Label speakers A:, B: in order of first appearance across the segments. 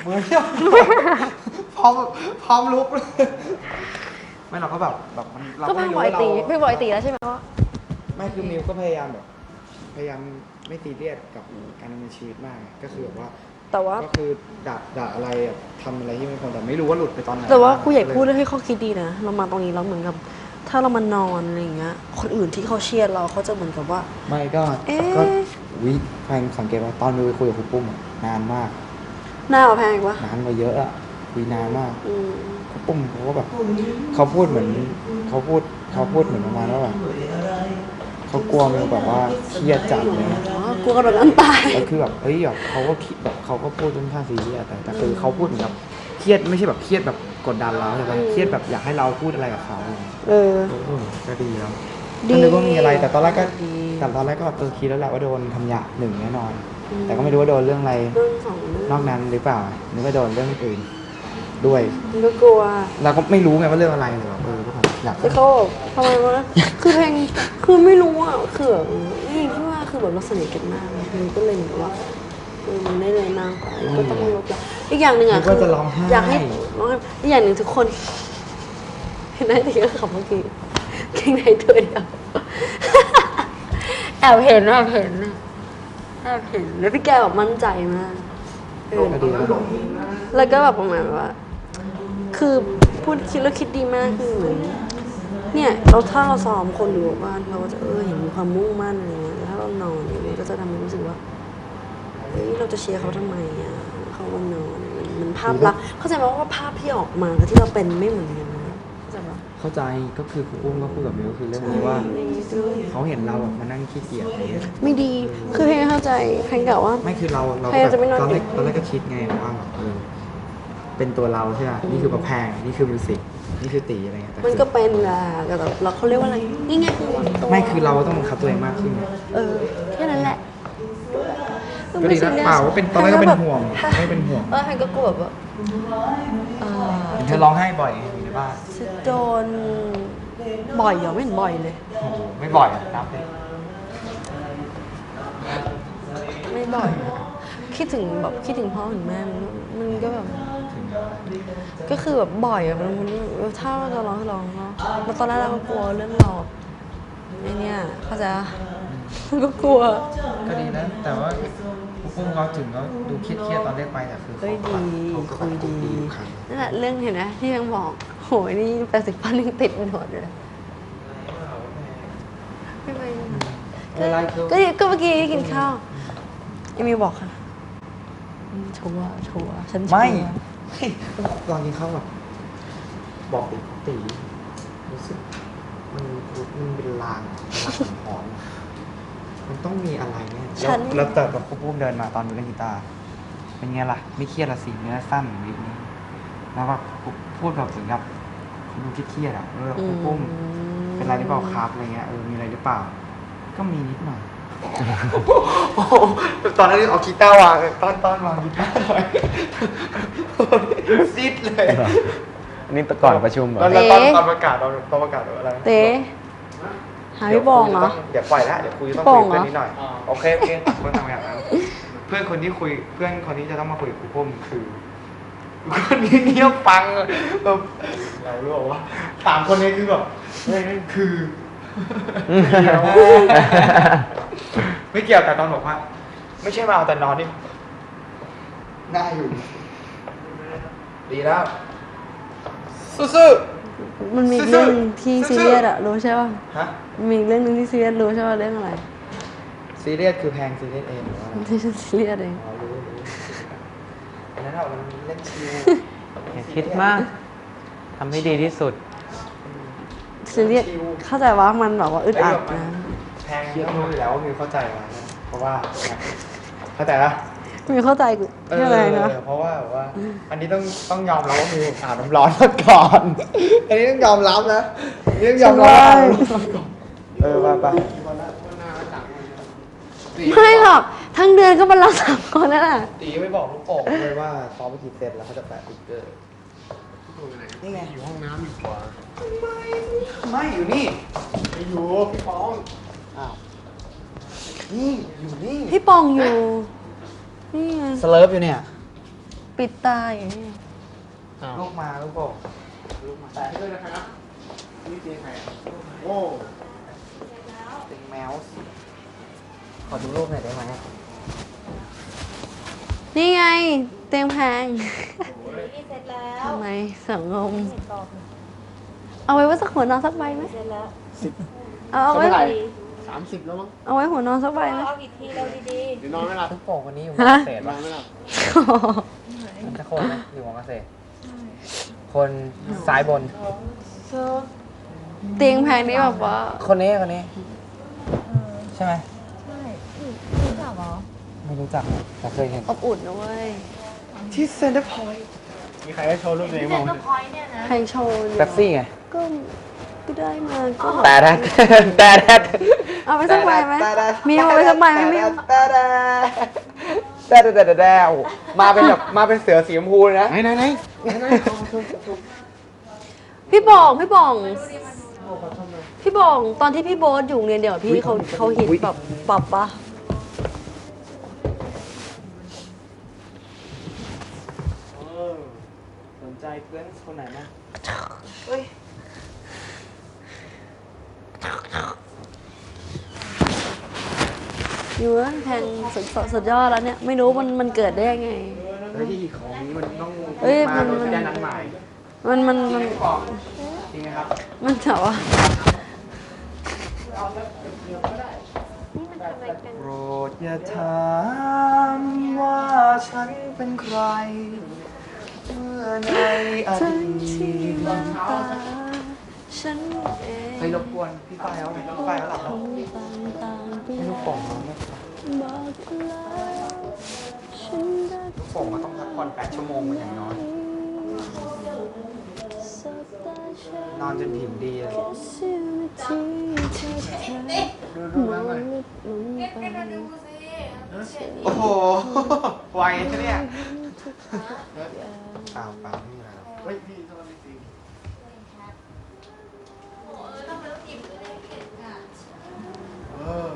A: มือเนี่ยพร้อมลุกเลยไม่เราก็แบบมันเรา
B: ก็
A: ไม่
B: พี่
A: รู้
B: บอย
A: ว่าเรา
B: ตีพี่บอยตีแล้วใช่ไหมว่า
A: ไม่คือมิวก็พยายามไม่ซีเรียสกับการดำเนินชีวิตมากก็คือแบบว่า
B: แต่ว่า
A: ก็คือด่าอะไรทำอะไรที่ไม่ควรแต่ไม่รู้ว่าหลุดไปตอนไหน
B: แต่ว่าครูใหญ่พูดให้ข้อคิดดีนะเรามาตรงนี้แล้วเหมือนกับ ถ้าเรามานอนอะไรอย่างเงี้ยคนอื่นที่เขาเชียร์เราเขาจะเหมือนกับว่า
A: ไม่ก็วิแฟนสังเกตว่าตอนมิวไปคุยกับครูปุ้มนานมาก
B: หน้าเราแพงปะ
A: นานกว่าเยอะอะคุยนานมาก
B: อืม
A: ครูปุ้มเขาก็แบบเขาพูดเหมือนเขาพูดเหมือนประมาณว่าแบบเขากลัวมิวแบบว่าเครียดจัดเลย
B: อ๋อกลัวกระโดดน้ำตาย
A: แล้วคือแบบแบบเขาก็คิดแบบเขาก็พูดจนท่าซีเรียสแต่คือเขาพูดเหมือนแบบเครียดไม่ใช่แบบเครียดแบบกดดันเราใช่ปะเครียดแบบอยากให้เราพูดอะไรกับเขา
B: เออ
A: ก็ดีแล้ว
B: ดี
A: ก็นึกว่ามีอะไรแต่ตอนแรกก็
B: ดี
A: คิดแล้วแหละว่าโดนทำหยาหนึ่งแน่นอน แต่ก็ไม่รู้ว่าโดนเรื่องอะไร
B: เรื่องสองเรื่อง
A: นอกนั้นหรือเปล่านึกว่าโดนเรื่องอื่นด้วย
B: มันก็กลัว
A: เราก็ไม่รู้ไงว่าเรื่องอะไรเลยแบบก็แบบอยาก
B: แล้วเขาบอกทำไมวะคือเพลงคือไม่รู้อ่ะคือแบบนี่ที่ว่าคือแบบเราสนิทกันมากมันก็เลยเหมือนกับว่ามันได้เลยนางไปก็ต้องลดละอีกอย่างหนึ่งอ่ะ
A: นึกว่าจะร้องไห้
B: อยากให้ร้องไห้อีกอย่างหนึ่งทุกคนเห็นได้แต่ก็ขับเมื่อกี้เก่งในตัวเดียวแอบเห็นแล้วพี่แกแบบมั่นใจมาก
A: ก็ดีแล้ว
B: แล้วก็แบบประมาณว่า คือพูดคิดแล้วคิดดีมากคือเหมือนเนี่ยถ้าเราซ้อมคนอยู่บ้านเราก็จะเห็นมีความมุ่งมั่นอะไรเงี้ยแต่ถ้าเรานอนเนี่ยมันก็จะทำให้รู้สึกว่าเฮ้ยเราจะเชียร์เขาทำไมอ่ะเขาวันนอนมันภาพลักษณ์เข้าใจไหมว่าภาพที่ออกมากับที่เราเป็นไม่เหมือนกันนะเข้าใจปะ
A: เข้าใจก็คือครูอุ้มก็พูดกับมิวก็คือเรื่องนี้ว่าเขาเห็นเราแบบมานั่งขี้เกียจอะไรเงี้ย
B: ไม่ดีคือเพลงเข้าใจเพลงกล่าวว่า
A: ไม่คือเรา
B: ใครจะไม่นอน
A: ตอนแร
B: ดึ
A: ก
B: ก
A: ก็คิดไงว่าแบบเป็นตัวเราใช่ไหมนี่คือประแพงนี่คือมิวสิกนี่คือตีอะไรเงี้ยแต่
B: มันก็เป็นแหละแต่แบบเราเขาเรียกว่าอะไรนี่ไงคือวันตัว
A: ไม่คือเราต้องบังคับตัวเองมากขึ้น
B: แค่นั้นแหละ
A: ก็ดีนะเปล่าว่าเป็นตอนแรกก็เป็นห่วงไม่เป็นห่วง
B: เพนก็กลัวแบบว่า
A: เห็นเธอร้องไห้บ่อยอยู่ในบ้าน
B: จะโดนบ่อยเหรอไม่เห็นบ่อยเลย
A: โอ้โหไม่บ่อยอะนับเลย
B: ไม่บ่อยอะคิดถึงพ่อถึงแม่มันก็แบบ ก็คือแบบบ่อยอะมันถ้าเราจะร้องก็ร้องเนาะแล้วตอนแรกเราก็กลัวเรื่องเราไอเนี่ยเข้าใจปะมันก็กลัว
A: ก็ดีนะแต่ว่าพวกเขาถึงเขาดูเครียดตอนเรียกไปแต่คือ
B: เฮ้ยดี
A: เขาก็
B: คุยดี
A: ทุกครั้ง
B: นั่นแหละเรื่องเห็นไหมที่ยังบอกโหยนี่80%ยังติดหนวดเลยไม่ไปก็เมื่อกี้กินข้าวเอมิวบอกค่ะชัวร์ฉันชัวร์
A: ไม่ลองกินข้าวแบบบอกตีรู้สึกมันเป็นลางหอนมันต้องมีอะไรเนี่ยแล้วแต่แบบปุ้มเดินมาตอนดูเล่นกีตาร์เป็นไงล่ะไม่เครียดละสิเนื้อสั้นวิกนี้แล้วแบบพูดแบบถึงกับดูเครียดอ่ะปุ้มเป็นไรหรือเปล่าครับอะไรเงี้ยมีอะไรหรือเปล่าก็มีนิดหน่อยตอนนั้นเอากีตาร์วางตอนวางกีตาร์หน่อยซิดเลย
C: อันนี้ก่อนประชุมเหรอ
A: แล้วตอนประกาศอะไร
B: เต้หาพี่บองเหรอ
A: เดี๋ยวปล่อยแล้วเดี๋ยวคุยต้อง
B: ป
A: คุ
B: อย ง
A: กับ
B: เหรอ
A: เพื่อนนิดหน่อยโอเคคนทำอย่างนั้นเพื่อนคนที่จะต้องมาคุยกับครูปุ้มคือคนนี้เงียบฟังแบบเรารู้ว่าสามคนนี้คือแบบคือไม่เกี่ยวแต่ตอนบอกว่าไม่ใช่มาเอาแต่นอนนี่น่าอยู่ดีแล้วสู้ๆ
B: มันมีเรื่องที่ซีเรียสอะรู้ใช่ป่ะ
A: ฮะ
B: มีเรื่องนึงที่ซีเรียสรู้ใช่ป่ะเรื่องอะไร
A: ซีเรียสคือแพงซีเรียสเองหรือว่า
B: ที่ฉันซีเรียสเอง
A: รู้อันนั้นเรามันเล่นชิว
C: อย่าคิดมาก ทำให้ดีที่สุด
B: ซีเรียสเข้าใจว่ามันแบบว่าอึดอัดนะ
A: แพงต้องรู้อยู่แล้วว่ามิวเข้าใจมานะเพราะว่าเข้าใจปะ
B: มีเข้าใจกูเรื่องอะไรนะ
A: เพราะว่าแบบว่า อันนี้ต้องยอมรับว่ามิวอาบน้ำร้อนมาก่อน อันนี้ต้องยอมรับนะอันนี้ต้องยอมรับว่าอาบน้ำร้อนมาก่อนไป
B: ไม่หรอกทั้งเดือนก็มารับ3 คนนั่นแหละ
A: ตีไม่บอกลูกโป่งเลยว่าซ้อมไปกี่เซตแล้วเขาจะแปะติ๊กเกอร์นี่ไงอยู่ห้องน้ำอยู่ขวาไม่อยู่นี่ไม่อยู่พี่ป้องอ้าวนี่อยู่นี่
B: พี่ปองอยู่นี่ไง
A: สเลิฟอยู่เนี่ย
B: ปิดตาอย่างนี้
C: อ้าว
A: ลูกมาลูกบอกลูกมา
D: แต่ให้ด้วยนะครับนี่เตียงใครอ่ะโอ้
A: เป็นแมวสิขอดูรูปหน่อยได้ไหม
B: นี่ไง เตียงแพง
E: นี่เสร็จแล้ว
B: ทำไมสังงม
E: เสร็จก่อน
B: เอาไว้ว่าสักหัวนอนสักใบไหม
E: เสร็จแล้ว
B: เอาไว้
D: เท่าไหร่30 แล้วมั้ง
B: เอาไว้หัวนอนสักใบไหม
E: เอาอีกทีเราดี
D: เดี๋ยวนอนไม่หลับ
C: ลูกโป่งคนนี้อยู่ม
B: ฮะ
C: อเกษตร
D: นอ
C: ปะ
D: นไม่หลับ
C: มันจะคนไหมอยู่มอเกษตร คนซ้ายบน
B: เตียงแพงนี่แบบว่า
C: คนนี้คนนี้ ใช่ไหม
E: ๆใช่รู้จักเหรอ
C: ไม่รู้จักแต่เคยเห็น
B: อบอุ่นนะเว้ย
A: ที่เซ็นเตอร์พอยต์
D: มีใครได้โชว์รูปตัวเอง
E: เซ็
D: บ้าน ง
E: เตอร์พอยต์เนี่ยนะ
B: แพงโชว์อยู่
C: เป๊ปซี่ไง
B: ก็ได้มาก็
C: แต่แดดแต่แดด
B: เอาไปสักใบไหมมีเอาไปสักใบไหมมีเอา
C: แต่โอ้โหมาเป็นแบบมาเป็นเสือสีชมพูเลยนะ
D: ไหน
B: พี่บองตอนที่พี่โบ๊ทอยู่โรงเรียนเดี๋ยวพี่เขาฮิตแบบปรับปะ
A: สนใจเพื่อนคนไหนไหม
B: อยู่ว่าแพงสุดยอดแล้วเนี่ยไม่รู้มันเกิดได้ยังไง
A: เฮ้ยของนี้มันต้อง
B: เฮ้ย
A: มาโดยแจ้งนัดหมาย
B: มัน
A: บอกจริงไหมครับ
B: มันแต่ว่า
A: โปรดอย่าถามว่าฉันเป็นใคร เมื่อในอ
B: ฉัน
A: ดี
B: ที่
A: ต
B: มันตาฉันเอง
A: เฮ้ยรบกวนพี่ฝ้ายแล้วพี่ฝ้ายแล้วหลับแล้ว
B: ต่างๆไป
A: ให้ลูกโป่งน้องไหม
B: บอกแล้วฉันรัก
A: ลูกโป่งมันต้องพักผ่อน8 ชั่วโมงมันอย่างน้อย
B: สบตาฉัน
A: นอนจนผิวดีเลย
B: แค่เสี้ยวนาทีที่เธอมองลึกลงไป
A: โอ้โห ไวนะเนี่ยเปล่าเปล่าไม่มีอะไรหรอก
D: เฮ้ยพี่โทษจริงเออ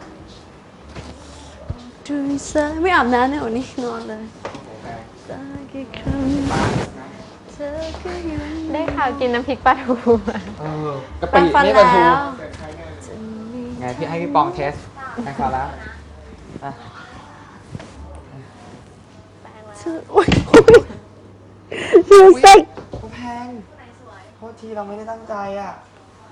B: ดูสายไม่อาบน้ำเนี่ยวันนี้นอนเลย
A: โอ้โหแพง
B: ตากี่ครั้ง
A: ป้านะ
B: เธอก็ยัง
E: ได้ข่าวกินน้ำพริกปลาทูมา
C: กะ
B: แปร
C: ปิ
B: งฟัน
C: นี่
B: แล้
C: ปลาทู
B: ว
C: ไงพี่ให้พี่ปองเทสแข่งขันแล้วอ่ะ
B: เธอโอ๊ยเธอเซ็ก
A: โอ้แพงโทษทีเราไม่ได้ตั้งใจอ่ะ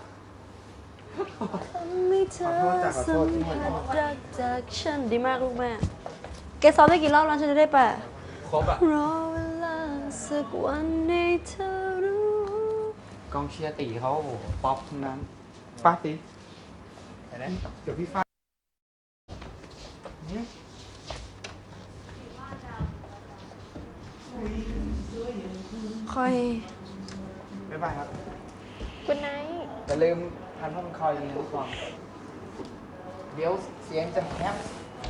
B: ไม่เธอ
A: ขอโทษจ้ะขอโท
B: สั
A: ษ
B: ม
A: ที่
B: ผั
A: ขอ
B: ส
A: โทษ
B: รักจากฉันดีมากลูกแม่แกซ้อมได้กี่รอบแล้วฉันจะได้แปะ
C: ครบอ่ะ
B: รอเวลาสักวันให้เธอรู้
C: กองเชียร์ตีเขาโอ้โหป๊อปทั้งนั้น
A: ป้าตี
C: เห็นไหม
A: เดี๋ยวพี่ฝ้าย
B: ค่อย
A: บ๊ายบายครับ
E: คุณไนท์
C: อย่าลืมทันพ่อมันคอยยิงทุกคนเดี๋ยวเสียงจะแฮป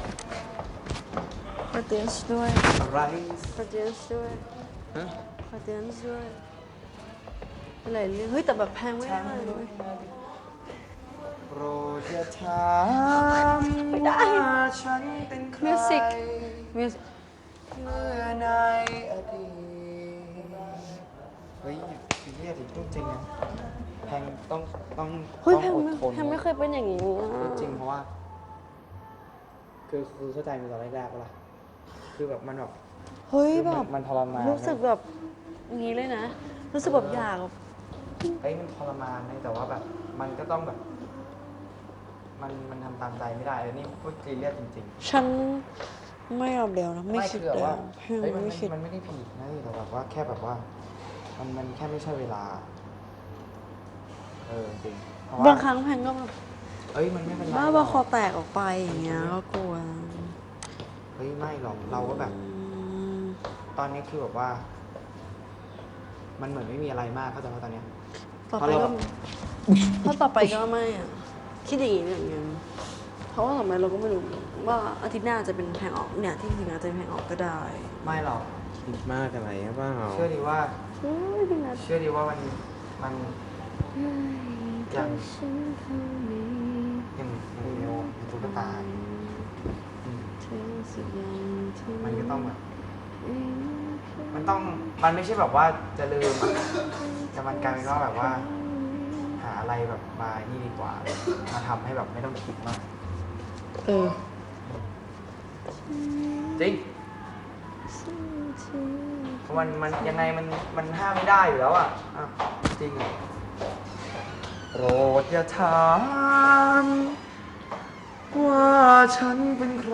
B: ขอเตือนด้วย
A: อะไร
B: ขอเตือนด้วย
C: ฮะ
B: ขอเตือนด้วยอะไรเรื่องเฮ้ยแต่แบบแพงไม่ได้เลย
A: โปรดอย่าถามว่าฉันเป็นใคร
B: มิวสิกมิวสิก
A: เมื่อในอดีตเฮ้ยซีเรียสอีกจริงๆนะแพงต้อง
B: เฮ้ย
A: ต้อง
B: แพง
A: อดทน
B: แพงไม่เคยเป็นอย่างนี้อะ
A: จริงเพราะว่า คือเข้าใจมันตอนแรกๆปะล่ะคือแบบมันแบบ
B: เฮ้ย
A: คือ
B: แบ
A: มัน
B: บ
A: มันทรมาน
B: รู้สึกแบบอย่างนี้เลยนะ รู้สึกแบบอยากแบบ
A: เฮ้ยมันทรมานนะแต่ว่าแบบ มันก็ต้องแบบ มันทำตามใจไม่ได้เลยนี่พูดซีเรียสจริงๆ
B: ฉันไม่ยอมเดียวนะ ไม่คิด
A: คือแบบ
B: เดียว
A: ว่า
B: แพง
A: เฮ้ยมัน
B: ไม่คิด
A: มันไม่ได้ผิดนะแต่แบบว่าแค่แบบว่า มันแค่ไม่ใช่เวลา จริงเพราะว่า
B: บางครั้งแพงก็แบบ
A: เอ้ยมันไม่เป็นไร
B: บ้า
A: หร
B: บา
A: อก
B: คอแตกออกไปอย่างเงี้ยก็กลัว
A: เฮ้ยไม่หรอกเราก็แบบ ตอนนี้คือแบบว่า มันเหมือนไม่มีอะไรมากเข้าใจว่าตอนเนี้ย
B: ต่อ
A: เพ
B: ไป
A: ราะเรา
B: ก็เพราะต่อไปก็ไม่อะคิดอย่างนี้อย่างเงี้ยเพราะว่าต่อไปเราก็ไม่รู้ว่าอาทิตย์หน้าจะเป็นแพงออกเนี่ยที่จริงอาจจะเป็นแพงออกก็ได้
A: ไม่หรอก
D: คิดมากอะไรหรือเปล่า
A: เชื่อดีว่า
B: เฮ้ยพี่นัท
A: เชื่อดีว่ามันอย่างเดียวตุ๊กตาอืมมันก็ต้องแบบมันไม่ใช่แบบว่าจะลืมอะแต่มันกลายเป็นว่าแบบว่า หาอะไรแบบมานี่ดีกว่า มาทำให้แบบไม่ต้องคิดมาก
B: เออ
A: จริงมันยังไงมันห้ามไม่ได้อยู่แล้วอ่ะจริงอะโปรดอย่าถามว่าฉันเป็นใคร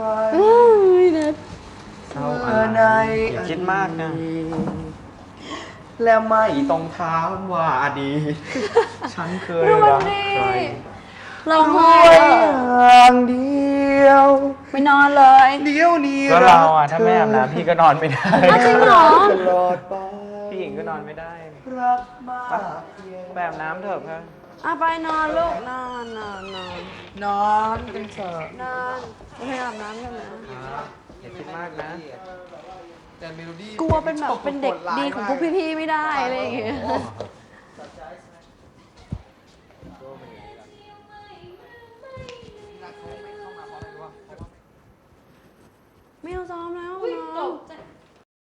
C: เศร้า
A: เมื่อใน
C: อย่าคิดมากนะ
A: และไม่ต้องถามว่าอดีตฉันเคยรักใคร
B: เราไห้
A: อย่างเดียว
B: ไม่นอนเลย
A: เดียวนี้
C: ก็เราอ่ะถ้าไม่อาบน้ำพี่ก็นอนไม่ได้
B: อ้าวจริงเหรอ
A: ตลอดไป
C: พี่หญิงก็นอนไม่ได้
A: รักมากเพียง
C: แบบน้ำเถอะเพื่อน
B: อ่ะไปนอนลูกนอน
A: นอนกันเถอะ
B: นอนไปให้อาบน้ำกันนะ
C: อย่าคิดมากนะ
D: แต่เมโลดี้
B: กลัวเป็นแบบเป็นเด็กดีของพวกพี่ๆไม่ได้อะไรอย่างเงี้ย
A: เ